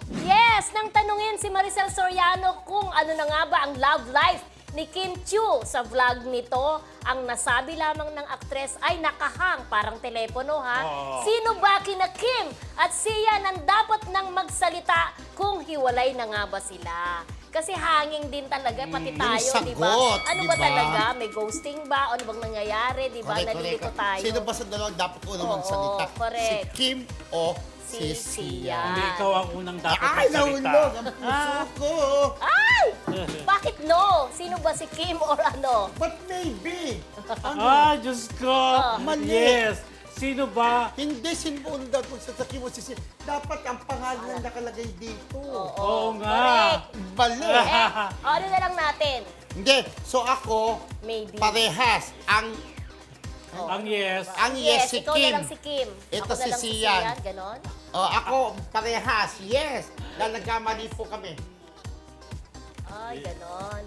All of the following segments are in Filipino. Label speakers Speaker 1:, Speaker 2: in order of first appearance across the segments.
Speaker 1: Yes, nang tanungin si Maricel Soriano kung ano na nga ba ang love life ni Kim Chiu sa vlog nito, ang nasabi lamang ng aktres ay nakahang parang telepono ha. Sino ba kina Kim at Sian ang dapat nang magsalita kung hiwalay na nga ba sila? Kasi hanging din talaga, pati tayo,
Speaker 2: sagot,
Speaker 1: di ba? Ano ba
Speaker 2: di ba?
Speaker 1: talaga? May ghosting ba? Ano bang nangyayari? Di ba? Nalilito tayo.
Speaker 2: Sino ba sa dalawang dapat unang
Speaker 1: Oo,
Speaker 2: magsalita?
Speaker 1: correct.
Speaker 2: Si Kim o
Speaker 1: Si
Speaker 2: si
Speaker 1: Sian.
Speaker 3: Hindi ikaw ang unang dapat
Speaker 2: Ay,
Speaker 3: magsalita.
Speaker 2: nahulog ang puso ko.
Speaker 1: Ay! Bakit no? Sino ba si Kim or ano?
Speaker 2: But maybe. Ano?
Speaker 3: Diyos ko.
Speaker 2: Mali.
Speaker 3: Yes. Sino ba?
Speaker 2: Hindi sinundan kung sa mo si Sian. Dapat ang pangalan na nakalagay dito.
Speaker 3: Oo nga.
Speaker 1: Correct.
Speaker 2: Mali.
Speaker 1: Ano na lang natin?
Speaker 2: Hindi. So ako,
Speaker 1: Maybe.
Speaker 2: parehas. Ang
Speaker 3: Ang yes.
Speaker 2: yes si
Speaker 1: ikaw
Speaker 2: Kim.
Speaker 1: na lang si Kim.
Speaker 2: Ito
Speaker 1: Ako na
Speaker 2: si
Speaker 1: lang si
Speaker 2: Sian.
Speaker 1: Sian, ganon?
Speaker 2: Ako, parehas. Yes. Dahil nagkamali po kami.
Speaker 1: Ay, ganon.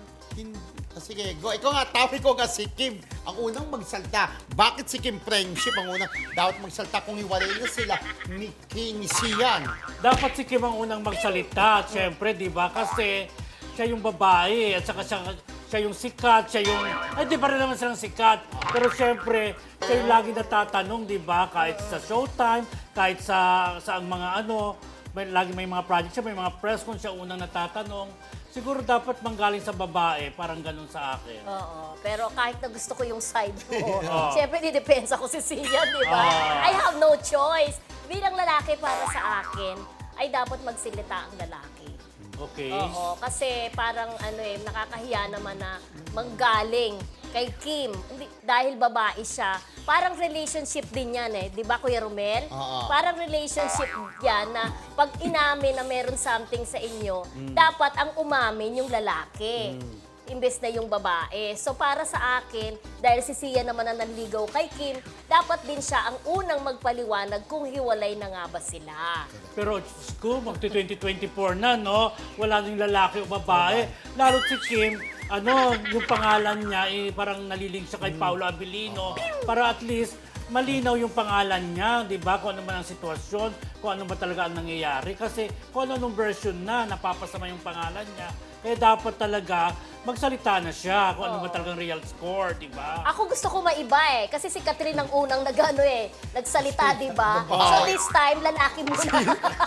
Speaker 2: Sige, go. Ikaw nga, tawag ko nga si Kim. Ang unang magsalta. Bakit si Kim friendship ang unang dapat magsalta kung hiwalay na sila ni Sian?
Speaker 3: Dapat si Kim ang unang magsalita. Siyempre, di ba? Kasi siya yung babae at saka siya yung sikat, siya yung... Ay, di pa rin naman silang sikat. Pero siyempre, siya yung lagi natatanong, di ba? Kahit sa Showtime, kahit sa ang mga ano, lagi may mga project siya, may mga press kung siya unang natatanong. Siguro dapat manggaling sa babae, parang ganun sa akin.
Speaker 1: Oo. Pero kahit na gusto ko yung side mo, siyempre didepensa ko si Sian, di ba? I have no choice. Bilang lalaki para sa akin, ay dapat magsilita ang lalaki.
Speaker 3: Okay.
Speaker 1: Oo, kasi parang nakakahiya naman na manggaling kay Kim. Dahil babae siya, parang relationship din yan eh. Di ba, Kuya Romel?
Speaker 2: Oo.
Speaker 1: Parang relationship yan na pag inamin na meron something sa inyo, dapat ang umamin yung lalaki. Imbes na yung babae. So para sa akin, dahil si Sian naman ang nanligaw kay Kim, dapat din siya ang unang magpaliwanag kung hiwalay na nga ba sila.
Speaker 3: Pero, Diyos ko, magti-2024 na, no? Wala nang lalaki o babae. Lalo si Kim, yung pangalan niya, parang nalilink siya kay Paolo Abilino. Para at least, malinaw yung pangalan niya, di ba? Kung ano man ang sitwasyon, kung ano ba talaga ang nangyayari. Kasi kung ano version na, napapasama yung pangalan niya. Kaya dapat talaga, magsalita na siya kung ano ba talagang real score, di ba?
Speaker 1: Ako gusto ko maiba eh. Kasi si Catherine ang unang nagsalita, di ba? So this time, lalaki mo siya.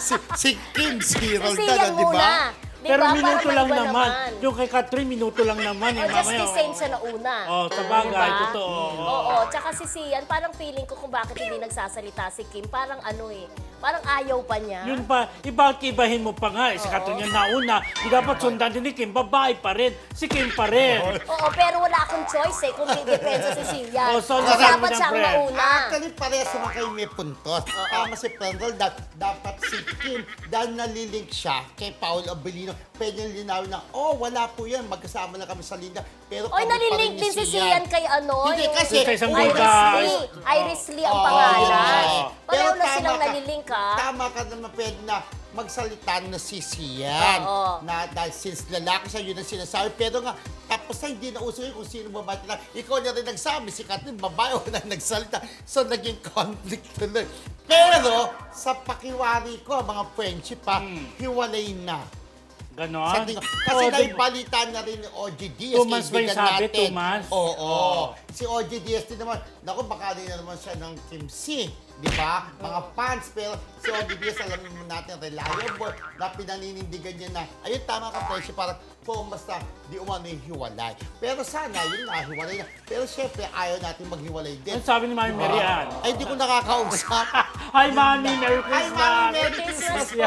Speaker 2: si Kim, si
Speaker 1: Si
Speaker 2: Roldan,
Speaker 1: Sian
Speaker 2: di ba?
Speaker 1: muna. Di
Speaker 3: Pero
Speaker 1: ba?
Speaker 3: minuto
Speaker 1: Para
Speaker 3: lang
Speaker 1: maiba
Speaker 3: naman. Yung kay Catherine, minuto lang naman.
Speaker 1: O, just the same siya na una.
Speaker 3: Sa bagay,
Speaker 1: Diba?
Speaker 3: totoo.
Speaker 1: Oo, tsaka si Sian, parang feeling ko kung bakit hindi nagsasalita si Kim, parang parang ayaw pa niya.
Speaker 3: Yun pa, ibahin mo pa nga. Si Catherine yung nauna. Di dapat sundan din ni Kim, babae pa rin. Si Kim pa rin.
Speaker 1: Oo, pero wala akong choice kung didepensa si Sian.
Speaker 3: So,
Speaker 1: So,
Speaker 3: nasabi
Speaker 1: dapat
Speaker 3: ng
Speaker 1: siyang
Speaker 3: friend.
Speaker 1: mauna.
Speaker 2: Actually, parehas naman kayo may puntos. Tama si Prendel, dapat si Kim, dahil nalilink siya kay Paolo Abilino, pwede linawin na, wala po yan, magkasama na kami sa linda. Pero
Speaker 1: Oy,
Speaker 2: kami pa rin
Speaker 1: nalilink
Speaker 2: ni
Speaker 1: din si Sian kay
Speaker 2: Hindi,
Speaker 1: yung
Speaker 2: kasi-
Speaker 3: Sa isang
Speaker 1: Iris
Speaker 3: buda.
Speaker 1: Lee. Iris Lee ang
Speaker 2: Oo,
Speaker 1: pangalan.
Speaker 2: yun nga eh.
Speaker 1: Pareho
Speaker 2: Pero
Speaker 1: na
Speaker 2: tama
Speaker 1: silang
Speaker 2: ka.
Speaker 1: nalilink ha.
Speaker 2: Tama ka naman, pwede na magsalita na si Sian.
Speaker 1: Oo.
Speaker 2: Na dahil since lalaki siya, yun ang sinasabi. Pero nga, tapos na hindi na uso yun kung sino babae na. Ikaw na rin nagsabi, si Catherine, babae o na nagsalita. So, naging conflict tuloy. Pero, sa pakiwari ko, mga friendship hiwalay na.
Speaker 3: Ganon?
Speaker 2: Sa tingin ko. Kasi
Speaker 3: Oo,
Speaker 2: naibalitan na rin ni OG Diaz.
Speaker 3: 2 months ba yung
Speaker 2: kaibigan
Speaker 3: sabi?
Speaker 2: natin.
Speaker 3: 2 months?
Speaker 2: Oo. Si OG Diaz din naman, naku, baka rin na naman siya ng Kim C. Di ba? Mga fans. Pero si OG Diaz, alam naman natin, reliable, na pinaninindigan niya na, ayun, tama ka, Presyo, parang kung basta di umano yung hiwalay. Pero sana, yun na, hiwalay na. Pero syempre, ayaw natin maghiwalay din.
Speaker 3: Ano sabi ni Mami Mary Ann?
Speaker 2: Ay, di ko nakakausap.
Speaker 3: Hi, Mami! Merry
Speaker 2: Hi,
Speaker 3: Christmas!
Speaker 2: Mami! Merry Christmas po!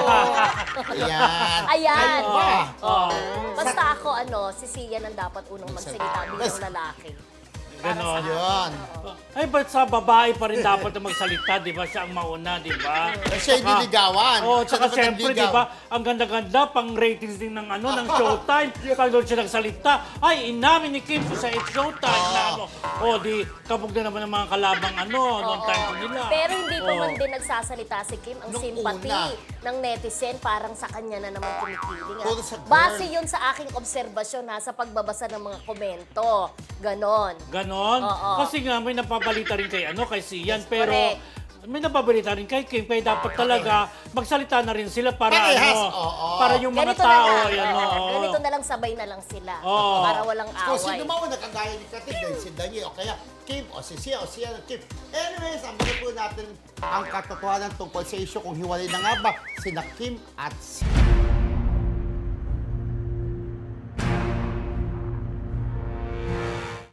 Speaker 2: Ayan.
Speaker 1: Ayan.
Speaker 2: Ano ba?
Speaker 1: Basta ako, si Sian ang dapat unang magsalita bilang lalaki.
Speaker 3: Ganon.
Speaker 2: Yun.
Speaker 3: Ay, ba't sa babae pa rin dapat na magsalita, di ba? Siya ang mauna, di ba?
Speaker 2: Siya yung niligawan.
Speaker 3: Oo, tsaka
Speaker 2: Siya
Speaker 3: siyempre,
Speaker 2: naman
Speaker 3: di ba? Ang ganda-ganda, pang ratings din ng ng Showtime. Pag doon siya nagsalita, ay, inamin ni Kim sa It's Showtime na di kabog na naman ng mga kalabang noong time ko nila.
Speaker 1: Pero hindi pa
Speaker 3: Oo.
Speaker 1: man din nagsasalita si Kim. Ang
Speaker 2: Nung
Speaker 1: sympathy
Speaker 2: una.
Speaker 1: ng netizen parang sa kanya na naman kinikiling.
Speaker 2: Puro sa girl.
Speaker 1: Base yun sa aking obserbasyon sa pagbabasa ng mga komento. Ganon.
Speaker 3: Ganon?
Speaker 1: Oo.
Speaker 3: Kasi nga, may napabalita rin kay Sian, pero
Speaker 1: correct.
Speaker 3: may nababalita rin kay Kim, kaya dapat talaga magsalita na rin sila para
Speaker 2: Parehas,
Speaker 3: ano,
Speaker 2: oo.
Speaker 3: para yung mga
Speaker 1: Ganito
Speaker 3: tao,
Speaker 1: na lang.
Speaker 3: ayan,
Speaker 1: oo.
Speaker 3: oo.
Speaker 1: Ganito na lang, sabay na lang sila.
Speaker 3: Oo.
Speaker 1: Para walang
Speaker 2: Kung sino
Speaker 1: away.
Speaker 2: man nakagaya ni Katin, dahil si Daniel, o kaya Kim, o si Sia, o siya ng Kim. Anyways, ambilin po natin ang katotohanan tungkol sa issue kung hiwalay na nga ba sina Kim at Sia.